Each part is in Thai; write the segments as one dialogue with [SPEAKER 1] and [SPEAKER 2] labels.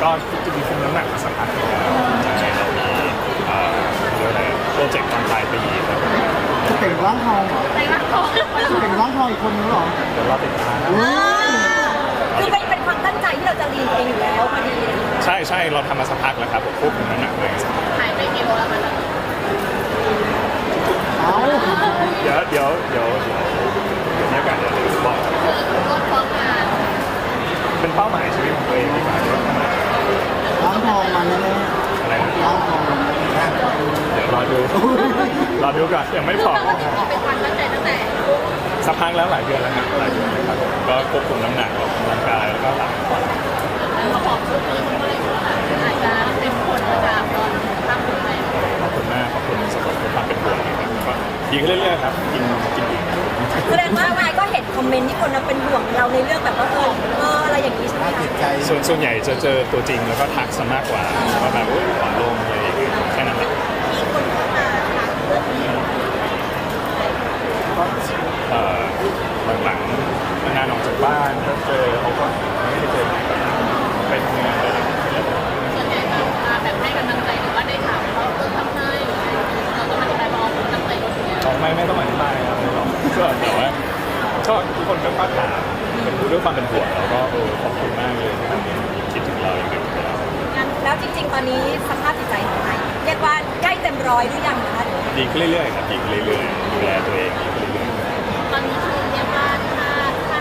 [SPEAKER 1] ก็จะมีคุมน้ำหนักมาสักพักหนึ่งแล้วใช่เรามีเรียกอะไรโปรเจกต์ตอนปลายปีครับ
[SPEAKER 2] จะเต่งร่างทองเหรอ
[SPEAKER 3] ในร่างทอง
[SPEAKER 2] จะเต่งร่างทองอีกคนนึงเหรอ
[SPEAKER 1] เดี๋ยวเราติดตาม
[SPEAKER 3] คือเป็นความตั้งใจที่เราจะเรียนเองอยู่แล้วพอดี
[SPEAKER 1] ใช่ใช่เราทำมาสักพักแล้วครับผมควบคุมน้ำหนักเลย
[SPEAKER 3] หายไปกี่โลแล้วมัน
[SPEAKER 2] เอ้า
[SPEAKER 1] เดี๋ยวมีโอกาสเดี๋ยวบอก
[SPEAKER 3] ลดความงาน
[SPEAKER 1] เป็นเป้าหมายชีวิตของตัวเองดีกว่า
[SPEAKER 2] ร่างทองมาแน่
[SPEAKER 1] อะไรนะ
[SPEAKER 2] ๆร่างทอง
[SPEAKER 1] เดี๋ยวรอดูก่อนยังไม่พอ
[SPEAKER 3] ปกติเป็นความตั้งใจตั้งแต่
[SPEAKER 1] สักพักแล้วหลายเดือนแล้วครับหลายเดือนแล้วครับก็ควบคุมน้ำหนักออกกำลังกายแล้วก็หลังก่อน
[SPEAKER 3] เขาบอกชุดนี้มันก็เลยอาจจะเป็นผลมาจากตอนทำอะไร
[SPEAKER 1] ขอบคุณมากขอบคุณสำหรับความเป็นห่วงนะครับก็ดีขึ้นเรื่อยๆครับกินดี
[SPEAKER 3] แสดงว่านายก็เห็นคอมเมนต์ที่คนเป็นห่วงเราในเรื่องแบบว่าอะไรอย่างนี้ใช่ไหม
[SPEAKER 2] น่า
[SPEAKER 3] คะ
[SPEAKER 2] ติดใจ
[SPEAKER 1] ส่วนใหญ่จะเจอตัวจริงแล้วก็ทักซะมากกว่าว่าแบบผอมลงอะไรอย่างเงี้ยแค่นั้นแหละ
[SPEAKER 3] มีคนเข้ามาถามเรื่องนี้
[SPEAKER 1] หลังๆงานออกจากบ้านก็เจอเขาก็ไม่ได้เจอไปทำงานเลย
[SPEAKER 3] ส่วนใหญ่แบบให้กำลังใจหรือว่าได้ถามเราทำให้เราก็ไม่ได้บอกตั้งใจลดเนี่ย
[SPEAKER 1] ไม่ต้องอธิบายครับก็แต่ว่าก็ทุกคนก็ถามเป็นด้วยความเป็นห่วงแล้วก็ขอบคุณมากเลยที่แบบคิดถึงเราอย่างเงี้ย
[SPEAKER 3] แล้วจริงๆตอนนี้สภาพจิตใจของนายเรียกว่าใกล้เต็มร้อยหรือยังคะ
[SPEAKER 1] ดีขึ้นเรื่อยๆครับดีขึ้นเรื่อยๆดูแลตัวเองดีขึ้นเรื่อย
[SPEAKER 3] ตอนนี้คือเรียกว่าถ้า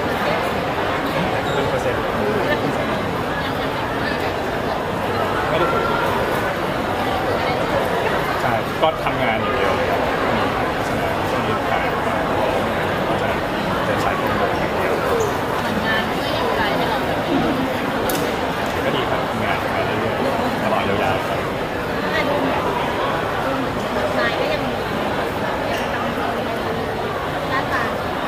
[SPEAKER 3] เป็นเปอร์เซ็นต์
[SPEAKER 1] ๆเป็นเปอร์เซ็นต์ไม่ได้ผลใช่ก็ทำงานอย่างเดียวเลยครับช่วงนี้ถ่ายมาก็จะเป็นสายตรงอย่างเดียว
[SPEAKER 3] เหมือนงานที่อยู่ไกลให้เราแบบ
[SPEAKER 1] ก็ดีครับทำงานมาเรื่อยๆตลอดยาวๆครับ
[SPEAKER 3] นายก็ยังมีหน้าตา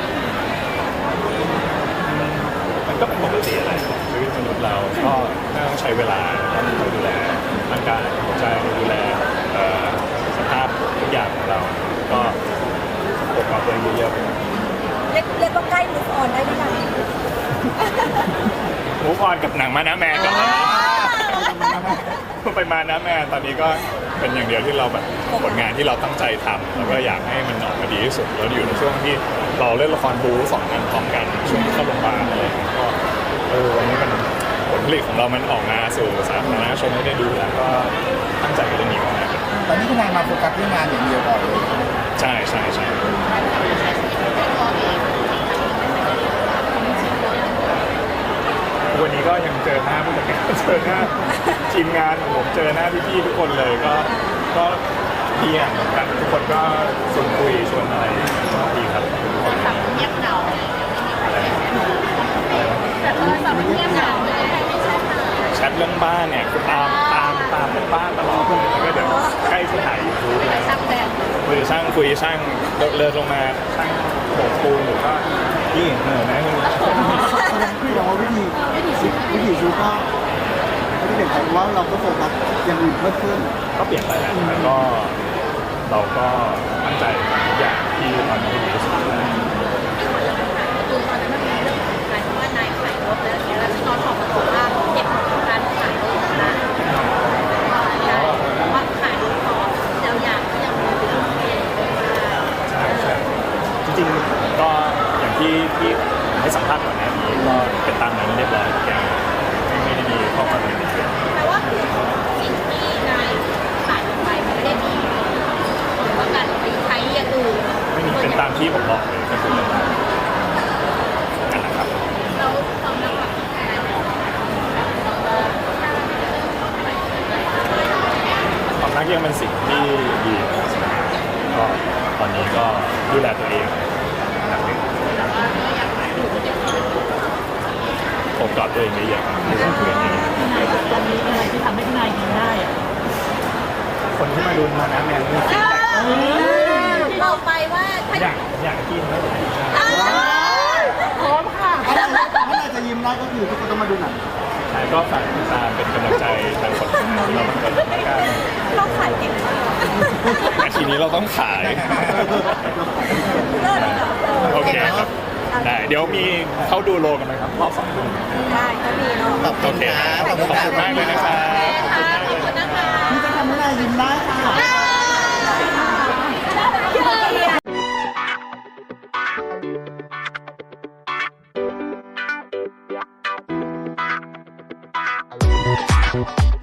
[SPEAKER 1] มันก็เป็นปกติอะไรของชีวิตมนุษย์เราก็ต้องใช้เวลาต้องดูแลร่างกายหัวใจดูแลสภาพทุกอย่างของเรา ก็ปกป้องตัวเองเยอะๆ
[SPEAKER 3] เรียกว่าใกล้ move on ได้หรือยัง
[SPEAKER 1] มูฟออนกับหนังมานะแมนก่อนไปมานะแมนตอนนี้ก็เป็นอย่างเดียวที่เราแบบผลงานที่เราตั้งใจทำแล้วก็อยากให้มันออกมาดีที่สุดแล้วอยู่ในช่วงที่เราเล่นละครบู๊2 อันพร้อมกันช่วงที่เข้าโรงพยาบาลอะไรอย่างเงี้ยก็วันนี้มันผลผลิตของเรามันออกมาสู่สาธารณชนให้ได้ดูแล้วก็ตั้งใจกับเรื่องนี้มากๆ
[SPEAKER 2] ตอนนี้คุณนายมาโฟกัสเรื่องงานอย่างเดียวก่อนเลย
[SPEAKER 1] ใช่ใช่ใช่วันนี้ก็ยังเจอหน้าผู้จัดการเจอหน้าทีมงานของผมเจอหน้าพี่ๆทุกคนเลยก็ดีอ่ะเหมือนกันทุกคนก็ชวนคุยชวนอะไรก็ดีครับ
[SPEAKER 3] แบบเงียบเหงาแต่โทรศัพท์มันเงียบเหงาเลยไม่ใช่ค่ะ
[SPEAKER 1] แชทเรื่องบ้านเนี่ยคือตามเรื่องบ้านตลอดแล้วก็เดี๋ยวใกล้จะถ่ายยูทูบแล้ว
[SPEAKER 3] ช่างแดง
[SPEAKER 1] คุยช่างเลิกลงมาช่างโบกปูนหรือก็นี่เหนื่อยไหมคุณ
[SPEAKER 2] คือเราวิธีชีวิตก็ไม่ได้เปลี่ยนไปว่าเราก็โฟกัสอย่างอื่นเพิ่มขึ้น
[SPEAKER 1] ก็เปลี่ยนไปแหละแล้วก็เราก็ตั้งใจทำทุกอย่างที่ตอนนี้ดีที่สุดแล้ว
[SPEAKER 3] คือตอนนั้นมันมีเรื่องของการที่ว่านายขายรถแล้วเนี่ยแล้วน้องออกมาบอกว่าเก็บของการขายรถนะว่าขายรถเพราะเจ้าอย่างก็ยังมีอยู่เอง
[SPEAKER 1] ใช่จริงๆก็อย่างที่ให้สัมภาษณ์ก่อนหน้านี้ก็เป็นตามนั้นเรียบร้อยทุกอย่างไม่ได้มีข้อความอะไรผิดพลาด
[SPEAKER 3] แปลว่าคือสิ่งที่นายขายออกไปมันไม่ได้มีหรือว่าการไปใช้อย่างอื่น
[SPEAKER 1] ไม่มีเป็นตามที่ผมบอกเลยก็คือนั่นแหละครับ
[SPEAKER 3] แล้วความรักแบบนายบอก
[SPEAKER 1] ความรักยังเป็นสิ่งที่ดีนะครับก็ตอนนี้ก็ดูแลตัวเองนะครับผมกอดตัวเองเยอะๆดูแลตัวเองเยอะ
[SPEAKER 4] ตอนนี้อะไรที่ทำให้นายยิ้มได้อะ
[SPEAKER 1] ๆคนที่มาดูมานะแมนนี่
[SPEAKER 3] บอกไปว่าถ้า
[SPEAKER 1] อยากกินไม่ได้
[SPEAKER 4] พร้อมค่ะ
[SPEAKER 2] ถ้านายจะยิ้มได้ก็คือทุกคนต้องมาดูหนัง
[SPEAKER 1] ใช่ก็ฝากติดตามเป็นกำลังใจทางผลงานที่เราทำกันแล้วกัน
[SPEAKER 3] เราขายเก่งมาก
[SPEAKER 1] นาทีนี้เราต้องขาย
[SPEAKER 3] เลิศอ่ะ
[SPEAKER 1] โอเคครับ
[SPEAKER 3] โ
[SPEAKER 1] ได้เดี๋ยวมีเข้าดูโลกันไหมครับรอบ2 ทุ่ม
[SPEAKER 3] ได้ก็มีเนาะ
[SPEAKER 5] ขอบคุ
[SPEAKER 1] โอ
[SPEAKER 5] ณ
[SPEAKER 1] เค
[SPEAKER 5] ค
[SPEAKER 1] ค
[SPEAKER 5] รั
[SPEAKER 1] รั
[SPEAKER 5] บบ ขอบคุณ
[SPEAKER 1] ขอบคุณมากเลยนะครับ
[SPEAKER 3] ค่ะขอบคุณนะคะ
[SPEAKER 2] นี่จะทำให้นายยิ้มได้ค่ะ
[SPEAKER 3] เย้